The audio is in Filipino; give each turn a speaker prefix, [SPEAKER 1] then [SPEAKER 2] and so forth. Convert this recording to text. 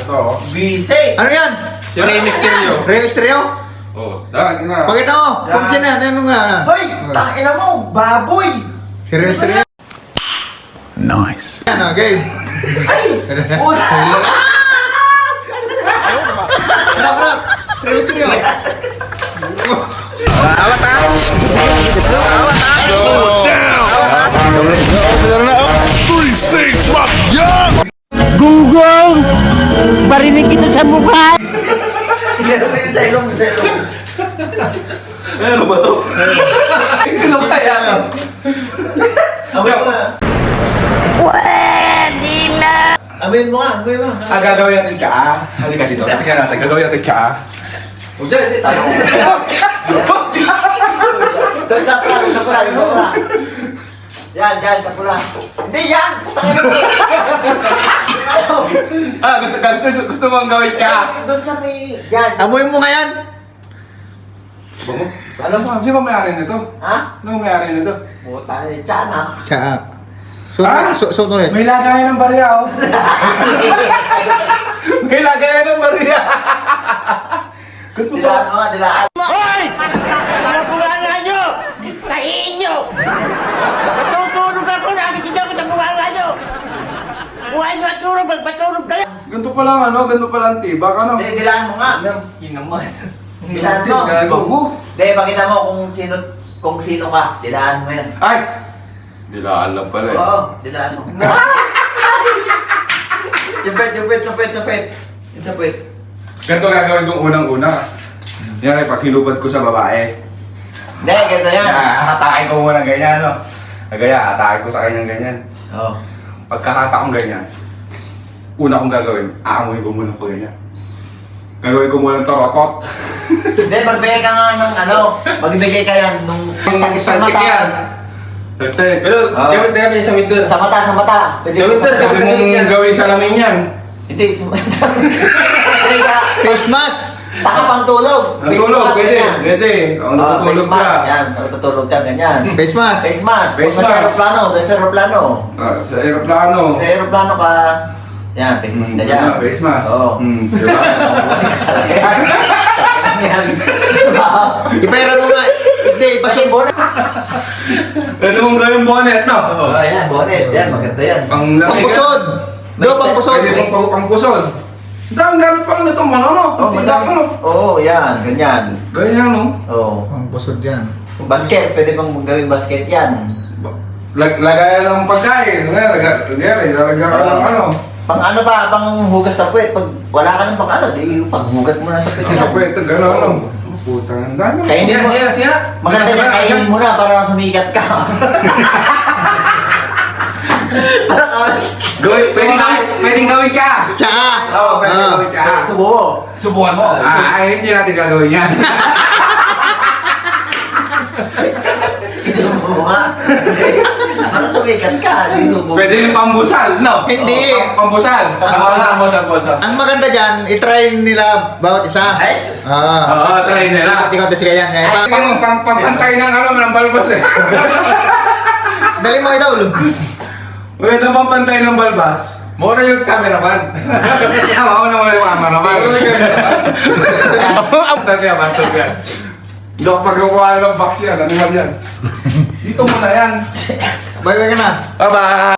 [SPEAKER 1] to.
[SPEAKER 2] Bise!
[SPEAKER 3] Ano yan?
[SPEAKER 1] Si Rey Mysterio.
[SPEAKER 3] Rey Mysterio?
[SPEAKER 1] Oh, dahil na.
[SPEAKER 3] Pakita mo, kung sino yan, ano nga?
[SPEAKER 2] Hoy! Tangina mo! Baboy!
[SPEAKER 3] Si Rey Mysterio.
[SPEAKER 4] Nice.
[SPEAKER 3] Ano, game?
[SPEAKER 2] Ay! Puta!
[SPEAKER 3] Harap. Rey Mysterio.
[SPEAKER 4] Awat ha? Awat ha? Awat ha?
[SPEAKER 5] Gunggong! Barinig kita sa mukha!
[SPEAKER 2] Sa ilong.
[SPEAKER 1] Ano ba to? Ano kaya?
[SPEAKER 2] Amoy mo nga.
[SPEAKER 5] Pwede na!
[SPEAKER 2] Amoy mo nga.
[SPEAKER 1] Gagawin natin ka. Halika dito. Tingnan natin. Gagawin natin ka.
[SPEAKER 2] Huwag dyan, hindi tayo. Doon sa pula. Yan, sa pula. Hindi yan! Putangin mo!
[SPEAKER 1] Gusto mong gawin ka.
[SPEAKER 2] Doon sa may... Yan.
[SPEAKER 3] Amoy mo nga yan.
[SPEAKER 1] Alam mo, sino ba may-ari nito?
[SPEAKER 2] Ha?
[SPEAKER 1] Ano may-ari nito?
[SPEAKER 2] Puta, tiyan ah.
[SPEAKER 3] Tsaa. So,
[SPEAKER 1] Ah?
[SPEAKER 3] so ulit.
[SPEAKER 1] May lagayan ng barya, oh. May lagayan ng barya. Gusto
[SPEAKER 2] Dilaan mo nga, dilaan.
[SPEAKER 5] Hoy! Ano bunganga nyo? Tahiin nyo! Matutulog ako, nakikita ko sa bunganga nyo! Buhay nyo at tulog, magpatulog kayo!
[SPEAKER 1] Ganito pa lang, ano? Ganito pa lang tiba ka, no?
[SPEAKER 2] Dilaan mo nga.
[SPEAKER 1] Yun naman.
[SPEAKER 2] Dilaan mo.
[SPEAKER 1] Gago mo.
[SPEAKER 2] Hindi, pakita mo kung sino ka. Dilaan mo yan.
[SPEAKER 1] Ay! Dilaan lang pala, eh.
[SPEAKER 2] Oo, dilaan mo. Yung sapit.
[SPEAKER 1] Ganito gagawin kong unang-una. Yan ay paghilubad ko sa babae.
[SPEAKER 2] Hindi, ganito yan.
[SPEAKER 1] Hatakin ko muna ganyan, no? Gaya, hatakin ko sa kanyang ganyan.
[SPEAKER 2] Oo.
[SPEAKER 1] Pagkahata kong ganyan, una kong gagawin, aamuhin ko muna pa ganyan. Gagawin ko muna ng torotot.
[SPEAKER 2] Hindi, magbigay ka nga ng magbigay ka yan nung sa mata.
[SPEAKER 6] Pero,
[SPEAKER 2] Ah.
[SPEAKER 6] gamit namin sa winter.
[SPEAKER 2] Sa mata. Pwede
[SPEAKER 6] Sa winter,
[SPEAKER 2] ka-
[SPEAKER 6] gamit
[SPEAKER 1] Pwede mong gawin sa lamin yan.
[SPEAKER 2] Hindi, sa mata. Pwede ka.
[SPEAKER 3] Face mask.
[SPEAKER 2] Taka pang tulog.
[SPEAKER 1] Natulog,
[SPEAKER 2] Face mask,
[SPEAKER 1] pwede.
[SPEAKER 2] ganyan.
[SPEAKER 1] Pwede. Ang natutulog
[SPEAKER 2] face mask,
[SPEAKER 1] ka.
[SPEAKER 2] Yan, natutulog ka, ganyan.
[SPEAKER 3] Face mask.
[SPEAKER 2] Face mask.
[SPEAKER 1] Face
[SPEAKER 2] Sa
[SPEAKER 1] mask.
[SPEAKER 2] aeroplano, sa aeroplano.
[SPEAKER 1] Sa aeroplano.
[SPEAKER 2] Sa aeroplano ka, yan, face mask ka yan.
[SPEAKER 1] Face mask.
[SPEAKER 2] Oo.
[SPEAKER 1] Diba?
[SPEAKER 2] Yan.
[SPEAKER 3] Ipera mo nga. Hindi,
[SPEAKER 2] Kasi
[SPEAKER 3] pasok.
[SPEAKER 2] bonnet.
[SPEAKER 1] Pwede mong gawin bonnet, no?
[SPEAKER 2] Oh, yan, bonnet. Yan, maganda yan.
[SPEAKER 1] Pang lamig.
[SPEAKER 3] Pangpusod. Do, pangpusod.
[SPEAKER 1] Pwede mong pangpusod. Dahil gamit pa lang itong ano, no?
[SPEAKER 2] Oh,
[SPEAKER 1] Tila ko, no?
[SPEAKER 2] Oo, yan, ganyan.
[SPEAKER 1] Ganyan, no?
[SPEAKER 2] Oo.
[SPEAKER 3] Pangpusod yan.
[SPEAKER 2] Basket, pwede bang gawin basket yan?
[SPEAKER 1] Lagayan ng pagkain. Lagyan ka ng ano.
[SPEAKER 2] Pang ano ba, pang hugas sa puwet. Pag wala ka ng pang ano, di paghugas mo na sa puwet.
[SPEAKER 1] Ano pa ito, gano'n, no? Putang, ang dami.
[SPEAKER 2] Kainin mo.
[SPEAKER 6] Siya.
[SPEAKER 2] Maganda na kainin mo na para sumikat ka.
[SPEAKER 1] Pwedeng gawin ka!
[SPEAKER 3] Tsaa.
[SPEAKER 1] Oo, pwedeng gawin ka.
[SPEAKER 2] Subukan mo.
[SPEAKER 1] Ay, hindi natin gagawin yan.
[SPEAKER 2] Subukan mo nga. Para sumikat ka, di subukan.
[SPEAKER 1] Pwede yung pambusal, no?
[SPEAKER 3] Hindi.
[SPEAKER 1] Pambusal.
[SPEAKER 3] Ang maganda dyan, itry nila bawat isa.
[SPEAKER 2] Ay,
[SPEAKER 1] Oo, try nila.
[SPEAKER 3] Ikaw kasi kaya nga.
[SPEAKER 1] Pampantay ng ng balbas eh.
[SPEAKER 3] Dali mo itaw, Lu.
[SPEAKER 1] Magandang pampantay ng balbas.
[SPEAKER 6] Muna yung cameraman.
[SPEAKER 1] Ako na muna yung cameraman.
[SPEAKER 6] Ikaw na yung cameraman.
[SPEAKER 1] Ang cameraman. Hindi ako pagkukuha ng box yan. Ano yan? Dito muna yan.
[SPEAKER 3] Bye-bye ka na.
[SPEAKER 1] Bye-bye!